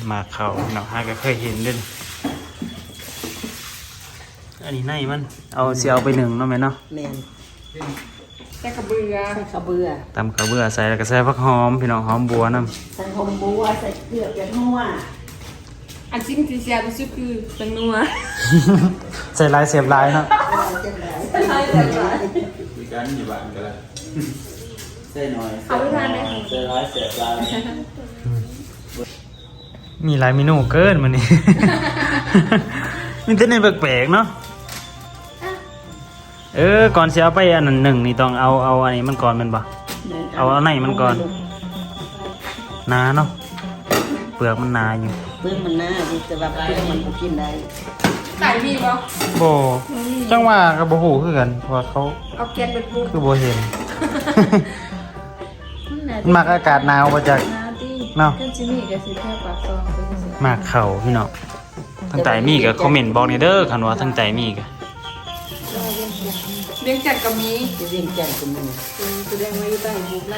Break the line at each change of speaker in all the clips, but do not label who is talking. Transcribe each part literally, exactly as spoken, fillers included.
มาเขาเนาะฮะก็เคยเห็นด้วยอันนี้ในมันเอาเสียเอาไปหนึ่งเนาะแม่เนาะ
แม่น
ใส่กระเบือ
ใส่กระเบือ
ตำกระเบือใส่แล้วก็ใส่ผักหอมพี่น้องหอมบัวน้ำ
ใส่หอมบัวใส่เกลือเป็นนัว
อันซิ่งที่เสียรู้สึกคือเป็นนัว
ใส่ลายเสียบลายเนาะ
ใส่ลายเสียบลาย
มีการอยู่บ้านกันแล้วใส่หน่อย
เอาไปทานได้
ใส่ร้ายเสียบลาย
มีหลายเมนูเกินมันนี่มีแต่ในแปลกๆเนาะเออก่อนเสียเอาไปอันนั้นหนึ่งนี่ต้องเอาเอาอันนี้มันก่อนมันบ่เอาอันไหนมันก่อนหนาเนาะเปลือกมันหนาอยู่
เปลือกมันหนาแต่ว่าเปลือกมันก็กินได้
ใส่มีบ่
โบจังว่ากับโบหูคือกันเพราะว่าเขา
เอาแกนเป็นปู
คือโบเห็นมักอากาศหนาวมาจากเนาะมากเข่าพี่เนาะทั้งใจมีกับคอมเมนต์บอกในเด้อคันว่าทั้งใจมีกับ
เลี้ยงจัดกับมี
เลี้ยงจัดกับมี
แสดงว่าอยู่ใต้บุกไล่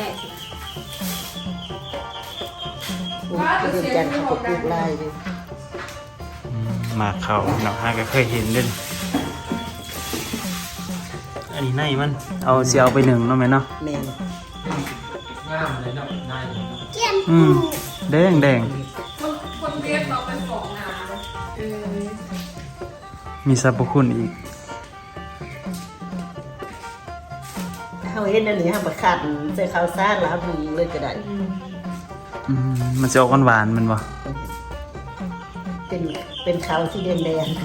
เลี้ยงจัดเขาก็ปลูกไร่เลย
มากเข่าเนาะฮะก็เคยเห็นด้วยอันนี้ในมันเอาเสียเอาไปหนึ่งเนาะแม่เนาะ
แม่น
งามเลยเนาะนาย
อืมแดงแดง
คนคนเรียกเราเป็นของงามเออ
มีสรรพคุณอีก
เขาเห็นอันนี้ฮะบักขัดใส่ข้าวสารแล้วมีเลยก็ได้
อืมมันจะออกหวานๆมันวะ
เป็นเป็นขาวสีแดงแดง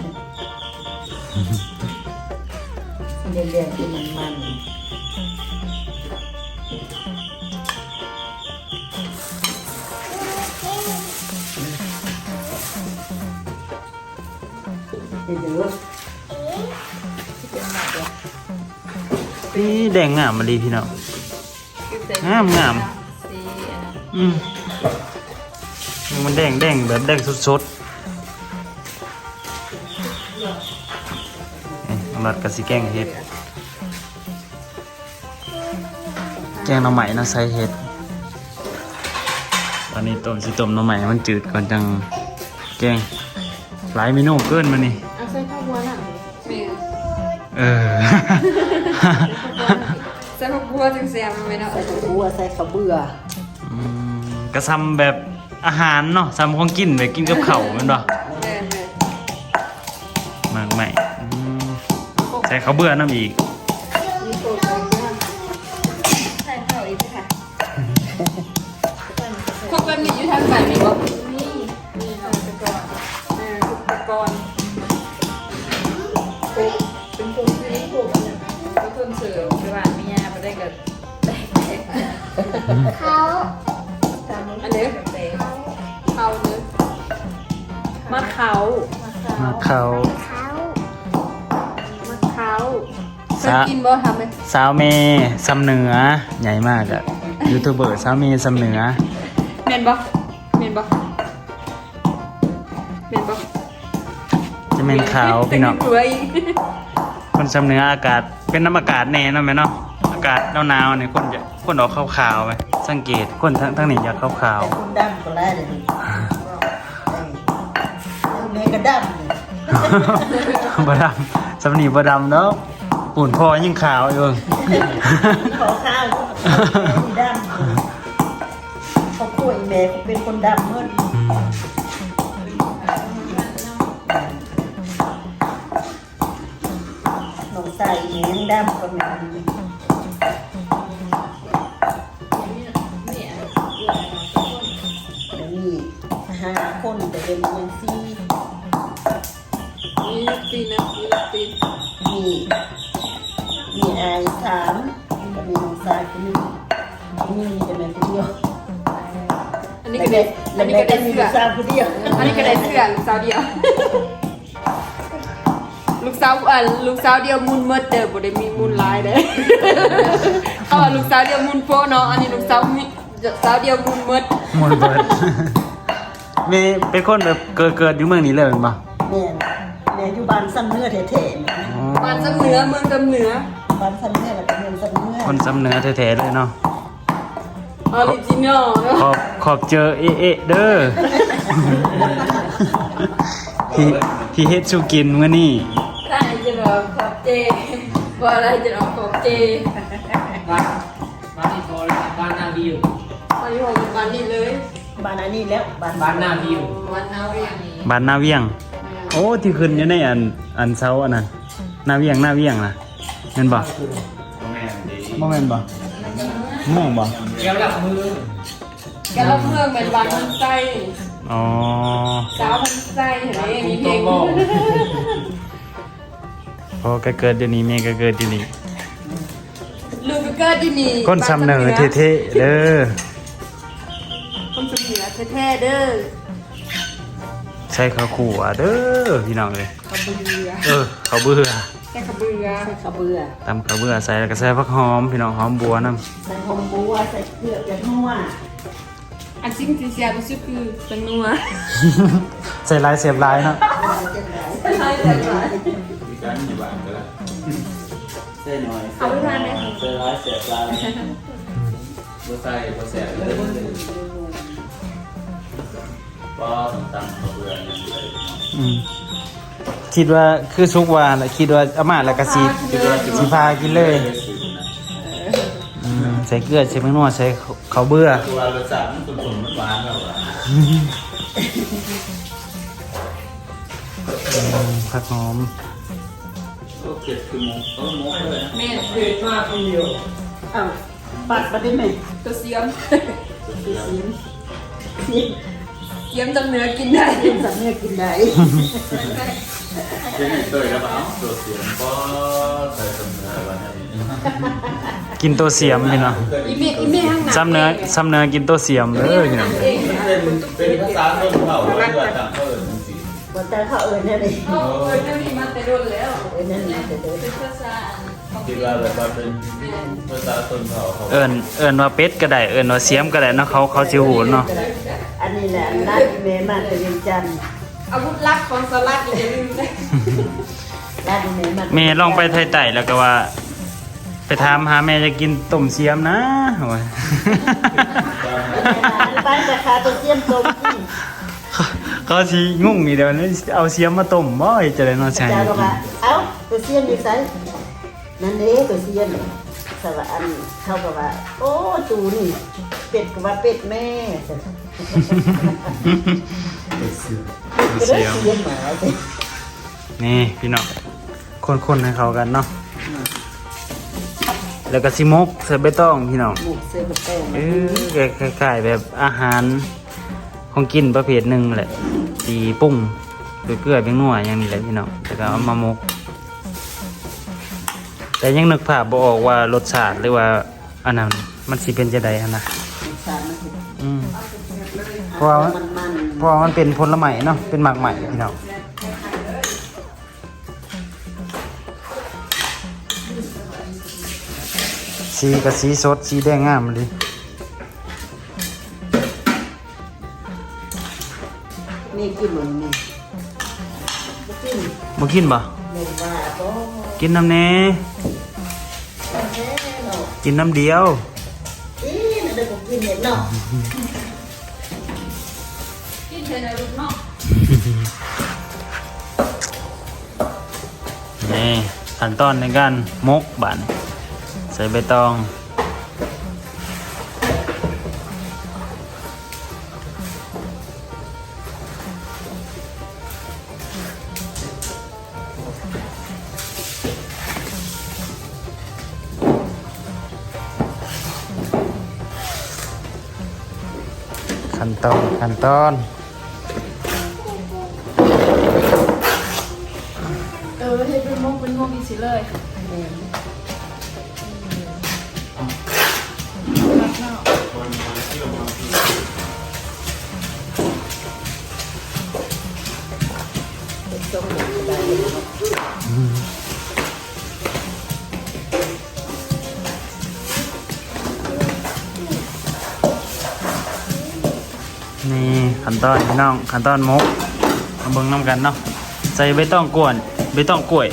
สีแดงแดงที่มันมัน
นี่แดงงามมาดีพี่น้องงามงามอืมมันแดงแดงแบบแดงสดๆน้ำรัดกะสิแกงเห็ดแกงหน่อไม้นะใส่เห็ดตอนนี้ต้มสิต้มหน่อไม้มันจืดก่อนจังแกงหลายเมนูเกินมานี่
เอาใส่ข้าวบัวน่ะ
เออ
ใส่ข้าวบัวจังแซ่บมั้ยเนาะ
ใส่ข้าวบัวใส่ข้าวเบื่อ
อืมกระซำแบบอาหารเนาะซำของกินแบบกินกับข้าวแม่นบ่มากใหม่ใส่ข้าวเบื่อน้ำอีก
ใส่ข้าวอีกค่ะพวกแบบนี้อยู่ทางไหนมีบ่มีมีอุปกรณ์เอออุปกรณ์เป็นพวกที่พวกก็คนเสิร์ฟไปบ้านมียาไปได้กับเขาอันนี้เขาเนื้อมะเขา
มะเขา
มะเขาเคยกินบ่ทำไหม
สาวเมย์สำเหนือใหญ่มากอะยูทูบเบอร์สาวเมย์สำเหนือ
เมนบ่เมนบ่เมนบ่
จะเป็นขาวพี่น้องคนสำเหนืออากาศเป็นน้ำอากาศแน่เนาะแม่เนาะอากาศหนาวๆเนี่ยคนจะคนออกขาวๆไปสังเกตคนทั้งทั้งนี้อยากขาว
ๆคนดำก็ไล่เลยแม่ก็ด
ำบดำสำนีบดำเนาะปุ่นคอยิ่งขาวอยู่
ขอข้าวดำเขาป่วยแม่เป็นคนดำเมื่อหนูใส่แหงดำก็ไม่ห้าคนแต่เป็นเงินซี
มีตีนะมีตี
มีมีไอสามก็มีน้องสายคนนึงมีแต่แม่คนเดียว
อันนี้ก็ได้อันนี้ก็ได้เสื้อ
สาวคนเดียว
อันนี้ก็ได้เสื้อลูกสาวเดียวลูกสาวอ่ะลูกสาวเดียวมุนเมดเด้อบ่ได้มีมุนลายเด้อเอาลูกสาวเดียวมุนโปเนาะอันนี้ลูกสาวมีสาวเดียวมุนเมด
มุนเมดมีเป็นคนแบบเกิดเกิดอยู่เมืองนี้เลยมั้ยบ่
แม่แม่อยู่บ้านซ้ำเนื้อแท้
ๆบ้านซ้ำเนื้อเมืองซ้ำเนื้อ
บ้านซ้ำเนื้อแล้วก็เมืองซ้ำเนื้อ
คนซ้ำเนื้อแท้ๆเลยเนาะ
ออริจินอล
ขอบขอบเจอเอเอเด้อที่ที่เฮ็ดสุกินมื้อนี้
ถ้าจะรอขอบเจว่าอะไรจะรอขอบเจ
บ้านบ้านที่โทรเลยบ้านนาวิว
มาอยู่ของบ้านนี้เลย
บ้านอันนี้แล้วบ้าน
บ้านนาวิว
วันนาเวียง
บ้านนาเวียง โอ้ที่ขึ้นอยู่ในอันอันเสาอันนั้นนาเวียงนาเวียงน่ะแม่นบ่
แม่ดี
บ่แม่นบ่ม่วงบ่
เกี่ยวกับมือ
แกเราเมืองเป็นบ้านมันไส้
อ๋อ
สาวมันไส้เห็นไหมมีเพลง
พอก็เกิดเดี๋ยวนี้แม่ก็เกิดเดี๋ยวนี้
ลูกก็เกิดที่นี่
คนสำเนอเท่ๆเด้อ
คนสำเนือแท้ๆเด้อ
ใส่ข้าวคั่วเด้อพี่น้องเอ้ย
ขบเบือ
เออข้าวเบื่อ
แค่ขบเบือ
ใส่ข้าวเบื่อ
ตำข้าวเบื่อใส่แล้วก็ใส่ผักหอมพี่น้องหอมบัวนํ
ใส่หอมบัวใส่เกลือกับนัว
อันซิ่งที่เสียรู้สึกคือจังนัว
ใส่ลายเสียบลายเนาะ
ใช่แต่ว่า
มีการอยู่บ้านก็แล้ว
เส้นหน่อย
เอาไปทานไหม
เส้นร้อยเสียบลาย
บ่ใส่บ่แสบเลยบ่ต้องตำข้าวเบื่อยังใส่
อืมคิดว่าคือสุกว่าแหละคิดว่าเอามาแล้วก็สิสิพากินเลย อืมใส่เกลือใส่แป้งนัวใส่ข้าวเบื่อ
ตัวรสชาติมันตุ่นๆมันหวานแล้วอ่ะ
ผักหอม
โอเคคือหมูเออหมูเลยนะ
แม่
เผ็ดมากคนเดียว
เอ้าปัดมาได้ไหม
ตัวเสียม
เสียมเสียม
เสียมจำเนื้อกินได้
เสียมสำเนียงกินได้
เป็นเตยแล้วเปล่าตัวเสียงก็ใส่สำเนื้อวันนี้
กินตัวเสียมพี่เนาะ
อีเมฆอีเมฆข้างหน้า
ซ้ำเนื้อซ้ำเนื้อกินตัวเสียมเด้อพี่เนาะ
เอง
เป็นเป็นภาษาต้นเผ่าหรือว่าต่างเผ่าอื่นจริง
บนแต่เขาเอิญนั่นเอง
โอ้ยเจ้านี่มาแต่โดนแล้ว
เอิญนั่นเองเดิน
เป็นภาษาของ
ๆคิดว่าแบบว่าเป็นภาษาต้นเผ่าเขา
เอิ้นเอิ้นว่าเป็ดก็ได้เอิ้นว่าเสียมก็ได้เนาะเขาเขาสิฮู้เนาะ
อันนี้แหละร้านเมมาตะเวียนจันทร์
อาวุธลับของสลัดอย่าลืมนะ
ร้านเมมา
แม่ลองไปไทยใต้แล้วก็ว่า ไปถามหาแม่จะกินต้มเสียมนะโอ้ย
บ้านราคาตัวเสียมตรงที่
เขาสิงงนี่เดี๋ยวนี้เอาเสียมมาต้มบ่เฮ็ดจะได้เนาะใช่
เจ้าก็ว่าเอ้าตัวเสียมดีไซน์นั่นเด้ตัวเสียมสวัสอันเขาก็ว่าโอ้ตูนี่เป็ดก็ว่าเป็ดแม่
เสียม
เสียมหมาสิ
นี่พี่น้องคนๆให้เข้ากันเนาะแล้วก็สิมกใส่ใบตองพี่น้อง
หมูเสือกับแป้ง
เออคล้ายๆแบบอาหารของกินประเภทหนึ่งแหละตีปรุ้งด้วยเกลือเป็นนัวอย่างนี้แหละพี่น้องแล้วก็เอามามก แต่ยังนึกภาพบ่ออกว่ารสชาติหรือว่าอันนั้นมันสิเป็นจะใดหั่นนะ
สารมัน
อืมเพราะว่ามัน
มันมัน
เพราะว่ามันเป็นผลไม้เนาะเป็นหมากใหม่พี่น้องสีกับสีสดสีแดงงามเลย
มีกินหมดนี่กิน
บ่กินบ่
เลยว่าก็
กินน้ำแหน่
แม่เนาะ
กินน้ำเดียว
อีนั่นเด็กกินเนี่ยเนาะ
กินเทนลูกเนาะ
นี่ขั้นตอนในการมกบานใส่ใบตองขั้นตอนขั้นตอน
เออให้เป็นมงเป็นมงอีกสิเลย
นี่ขั้นตอนพี่น้องขั้นตอนมกมาเบิ่งน้ำกันเนาะใส่ใบตองกวนใบตองกล้วย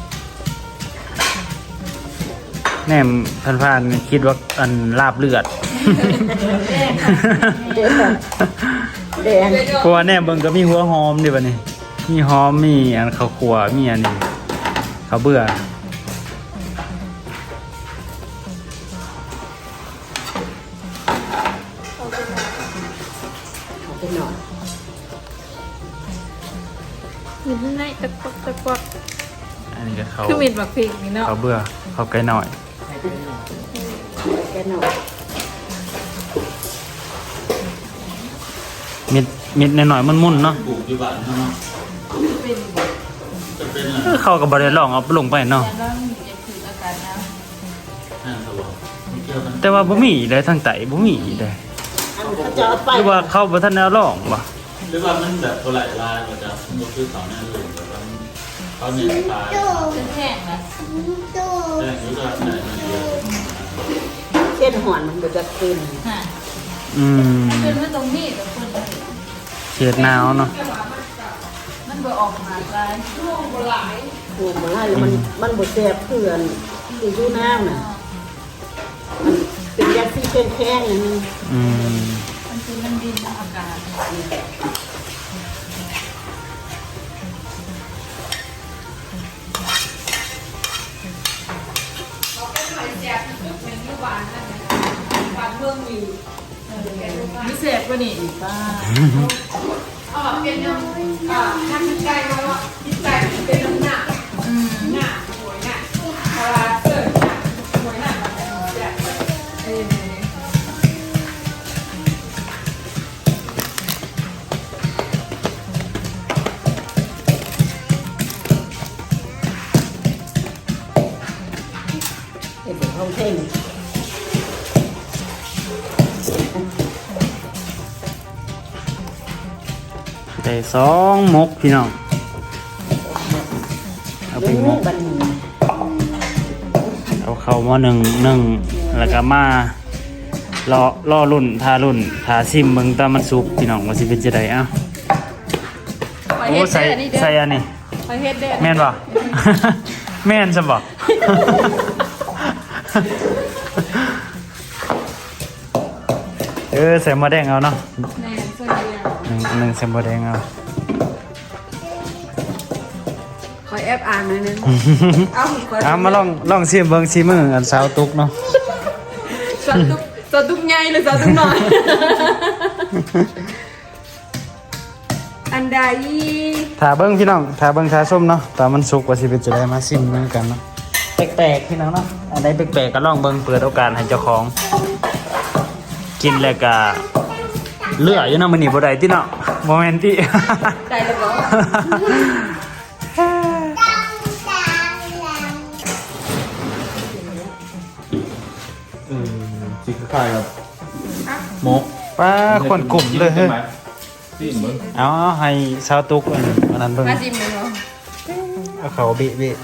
แหนมพันๆคิดว่าอันลาบเลือด
แม
เด็ดแบบแดง
เพราะว่าแน่เบิ่งก็มีหัวหอมดิบัดนี้มีหอมมีอันข้าวคั่วมีอันนี้ข้าวเบื่อ
เอาไปหน่อย
มีข้างในตะกวักตะกวัก
อันนี้ก็เขา
คือมีดบักพริกนี่เนาะ
ข้าวเบื่อข้าวไก่หน่อย
แกหน่อย
มิดมิดหน่อยๆมุ่นๆเนาะ
ปลูกที่บ้านเนาะจะเป็นอะไร
เข้ากับบริลองเอาลงไปเนาะ
นั่นครับผมไม่เกี่ยวกัน
แต่ว่าบ่มีเลยทางไตบ่มีเลย
อันเขาจะเอาไป
หรือว่าเข้าบ่ทันแนวลองบ่
หรือว่ามันแบบโบราณลายก็จะมันคือเขาแน่เลยแบบว่าเขาเนี่ยตาย
แห้งนะ
แต่หรือว่าไหนมันเดียว
เส้นหอนมันก็จะขึ้น
อืม
เป็นว่าตรงนี้แต่คนเลย
เขตหนาวเนาะ
มันบ่ออกมาลายช่วงบ่หลาย
ถูกมาแล้วมันมันบดแสบเพื่อนที่อยู่น้ำน่ะมันเป็นยาซีเป็นแข้งอย่างนี้
อืม
มันคือมันดินอากาศมีเสพป่ะนี่ป้าอ๋อเป็นน้ำอ่าทำใจมาว่าจิตใจเป็นน้ำหนักอืมหนักหวยหนักเวลาเกิดหนักหวยหนักมันจะแบบเออ
เห็นเป็นห้องเท่ง
ได้สองมกพี่น้องเอาไป
เลี้ยง
มก
บันนี้
เอาเข้าหม้อหนึ่งหนึ่งแล้วก็มารอรอรุ่นทารุ่นทาซิมเบิ่งตามมันสุกพี่น้องว่าสิเป็นจังได๋เอ้า
ไป
โอ้
เฮ็ด
ใส่
เด้อนี่เด้อ
ใส่อันนี้
ไปเฮ็ดเด้อ
แม่นบ่ แม่นซะบ่ เออใส่หม้อแดงเอาเนาะ
แม่นเสื้อเดียว
หนึ่งหนึ่งใส่หม้อแดงเอา
ขอแอบอ่านหน่อยนึงเอาขอ
เอามาลองลองชิมเบิ่งชิมมืออันสาวตุกเนาะ
สะดุกสะดุกใหญ่หรือสะดุกน้อย อันใด
ถ้าเบิ่งพี่น้องถ้าเบิ่งทาส้มเนาะตามันสุกว่าสิเป็นจะได้มาชิมเหมือนกันเนาะแปลกๆพี่น้องเนาะอันใดแปลกๆก็ลองเบิ่งเปิดโอกาสให้เจ้าของ กินแล้วก็เลืออยู่เนาะมื้อนี้บ่ได้ติเนาะบ่แม่นติ
ได้แล้วบ่
เออสีคล้ายกับหมก
ป้าคนกลุ่มเลยเฮ้ย
ที่เหมือน
เอาให้สาวตุกอันอันนั้นเบิ่ง
มาจิ้มเลยเนาะ
เอาเขาเบะเบะ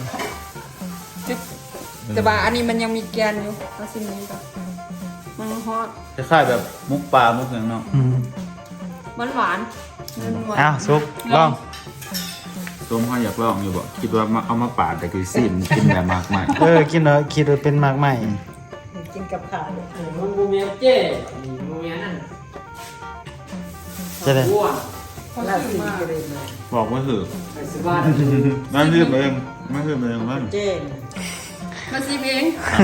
แต่ว่าอันนี้มันยังมีแกนอยู่มาจิ้มนี้ก่อนมันฮอต
คล้ายๆแบบมุกปลามุกอย่างเนาะ
อืม
มันหวานมันหวาน
เอาสุกลอง
ต้มข้าวอยากลองอยู่บ่คิดว่ามาเอามาปาดแต่คือซีมกินแบบมากมาย
เออกินแล้วคิดว่าเป็นมากใหม่
กินกับข้าว
มันบูเมียเจ้บูเมียนั่น
จะได้
อ้วน
ลาบซีก็เลยมา
บอกว่าถือ
ไปสบาย
นั่นคือเองไม่คือเองมัน
เจ้น
มาจิ้มเอง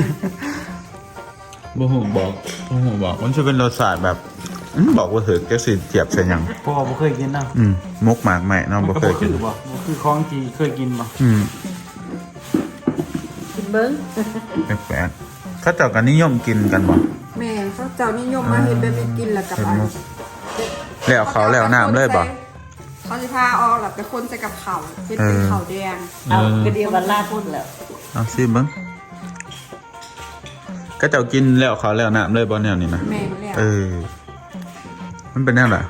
บ่หูบอกบ่หูบอกมันจะเป็นรสชาติแบบอื้อบอกว่าถือแกสิเจียบใส่หยัง
พวกเราบ่เคยกินเนาะ
อืมมุกหมากใหม่เนาะบ่เคยกิน
บ่คือของที่เคยกินบ่
อืม
กินเบิ้ง
แปลกๆเขาเจ้ากันนิยมกินกันบ่
แม่เขาเจ้านิยมมาเห็นแบบนี้กินแล้วกับ
เป็น
อัน
มุกแล้วเขาแล้วน้ำเลยบ่
เขาจะพาเอาหลับไปคนใส่กับเขาเห็นเป็นเขาแดง
เอากระเดียววันลาพุ่นแล้ว
เอาซิเบิ่งก็เจ้ากินแล้วเขาแล้วน้ำเลยบ่แนวนี้นะ
แม่มาแล้ว
เออ มันเป็นแนวไหน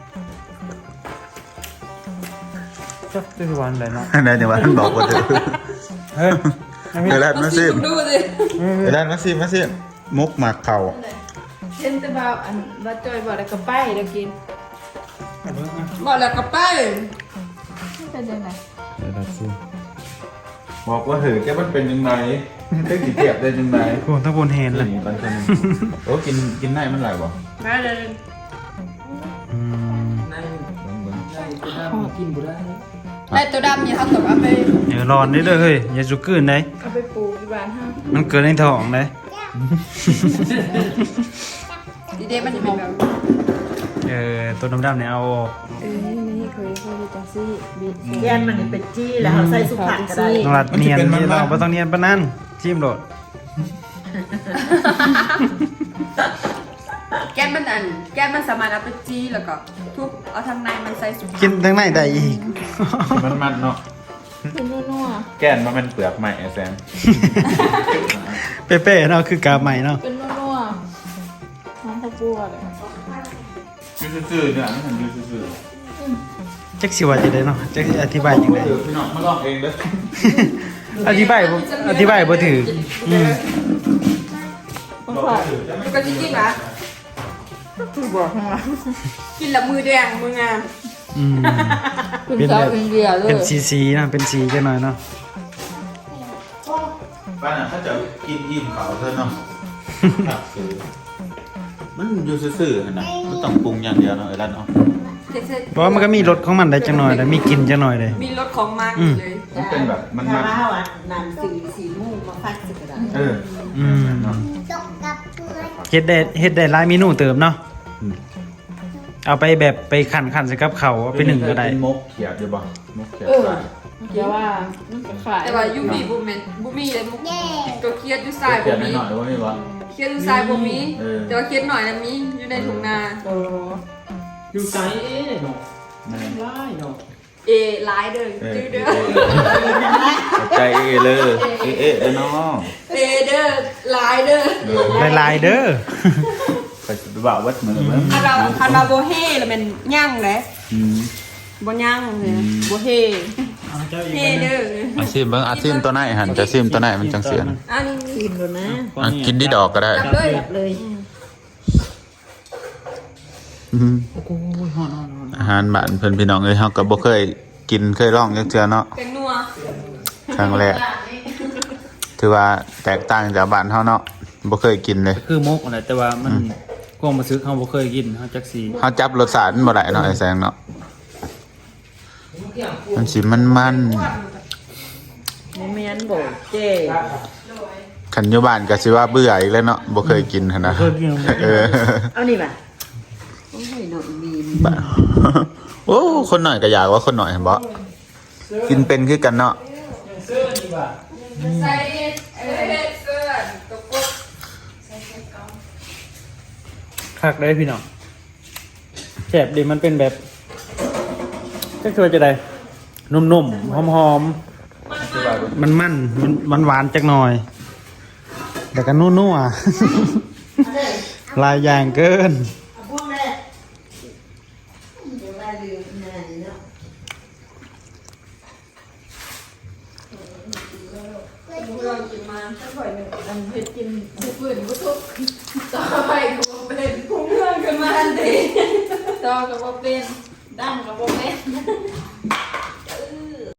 จักคือวันไหนเนาะ
ได้เนี่ยว่าท่านบอกว่าถือ
เฮ้ย
เดี๋ยวแรดมาซิม
ดูสิ
เดี๋ยวแรดมาซิมมาซิมมุกหมากเข่า
เห็นแต่บ่าวอันว่าจอยบอกแล้วก็ไปแล้วกินบอกแล้วก็ไปเป็นยังไง
เดี๋ยวแรดซิมบอกว่าถือแกมันเป็นยังไง
ได้กี่เทียบได้จังไง
โอ้ทั้งบนเห็นเลย
นี่ปันคนโอ้กินกินได้มันไหลบ่
มาเลย
อืม
ในในตัวดำกินบุได้
ได้ตัวดำเนี่ยเขาตกเอาไป
เดี๋ยวร้อนได้เด้อเฮ้ยอย่าสุกกืนได้
เอาไปปลูกที่บ้านห้า
มันเกิดในท้องได้
ดีเดมันจะเป็นแบบ
เออตัวดำๆเนี่ยเอาออก
เออนี่เคยเคยจังซี่บี
แย่นมันนี่เป็นจี้แล้วเขาใส่สุผักก็ได้
ต้องรัดเนียนนี่เราบ่ต้องเนียนปานนั้นจิ้มโดด
แก้มมันอันแก้มมันสามารถเอาไปจี้แล้วก็ทุบเอาทางในมันใส่สุก
กินทั้งในได้อีก
มันมันเนาะ
เป็นนัว
แก้นมันเป็นเปลือกใหม่ไอ้แซม
เป๊ะๆเนาะคือกาใหม่เนาะ
เป็นนัวน้องข้าวบัวเลย
ยูซื่อๆเนี่ยมันถึงยูซื่อ
จักสิว่าจะได้เนาะจักสิอธิบายจังได๋
ๆเดี๋ยวพี่น้องมาลองเองเด้อ
อธิบายบ่อธิบายบ่ถืออืม
มันขอมันก็จริงๆนะคือบอกข้างหลังกินแล้วมือแดงมืองาม
อืม
คุณ
เป็น
สา
แบ
ว
บ
อินเดียเลย
เป็นสีๆเนาะเป็นสีจังหน่อยเนาะ
บ้านน่ะถ้าจะกินอิ่มเขาเธอเนาะครับคือมันอยู่ซื่อๆหั่นน่ะมันต้องปรุงอย่างเดียวเนาะไอ้ร้านเนาะ
เพราะว่ามันก็มีรสของมันได้จังหน่อยได้มีกลิ่นจังหน่อยได้
มีรสของมากเลย
มันเป็นแบบมัน
ถ้า
มัน
ว่าเขาอ่ะนำสีสีม่วงมาฟัดสิก็ได้
เออ
อืม
เนาะ
เฮ็ดได้เฮ็ดได้หลายเมนูเติมเนาะ
อืม
เอาไปแบบไปคั่นๆใส่กับข้าวเอาไปนึ่งก็ได้
เป็นมกเขียดอยู่บ่มกเขียด
เออ
ใส่
เดี๋ยวว่าแต่ว่ายูมีบุมเมนบุมีเลยมุกตัวเครียดอยู่สาย
เขี
บุ
ยด
มี
หน่อยๆว่าไม่วะ
เครียดอยู่สายบุมี
เออ
แต่ว่าเครียดหน่อยนะมีอยู่ในถุงนา
อยู่ไกลเนาะ
แม่
ไล่เนาะ
เอไลายเด้อ
เออ
จื้อเด้อ
ใจเอเลยเอเอเออเนาะ
เอเด้อไลายเด้อ
หลายๆเด้อ
ไปสิไปบ่าววัดมือเบิ่ง
คันเราคันเราโบเฮ่แล้วมันย่างเลย
อืม
บ่ย่างเลยโบเฮ่เฮ่เด้อ
อาซิมเบิ่งอาซิมตัวไหนหันจะซิมตัวไหนมันจังเสียน
อันนี้
กินดูนะ
อ่ะกินที่ดอกก็ได้
จับเลย
เลย
อืมอาหารบ้านเพิ่นพี่น้องเอ้ยเฮาก็บ่เคยกินเคยลองจักเทื่อเนาะ
เป็นนัว
ครั้งแรกถือว่าแตกต่างจากบ้านเฮาเนาะบ่เคยกินเลย
คือมกอะไรแต่ว่ามันกวางมาซื้อเขาบ่เคยกินเขาจักสี
เฮาจับรสชาติมันบ่ได้เนาะไอ้แสงเนาะมันสิมันมัน
เมียนโบเจ้
คันอยู่บ้านก็สิว่าเบื่ออีกแล้วเนาะบ่เคยกินหั่นนะ
เคยกิน
เออ
เอานี่ป่ะโอ้ยหน่อยมีน
บ้าโอ้คนหน่อยก็อยากว่าคนหน่อยเห็นบ่กินเป็นคือกันเนาะ
เสื้อนี่ว่ะ
ใส่เออเสื้อตกกด
คักได้พี่น้องแซ่บดีมันเป็นแบบจักคือว่าจะได้นุ่มๆหอมๆมันมันมันมันหวานจักหน่อยแต่ก็นัวๆหลายอย่างเกิน
พวกแม่เดี๋ยวว่าลืมนานเนาะ
เรากินมาถ้าบ่อยนึงอันเฮ็ดกินผู้อื่นบ่ทุกต่อไปก็บ่เป็นผู้เพื่อนกันมาอันเดีต่อก็บ่เป็นดั้งก็บ่เป็น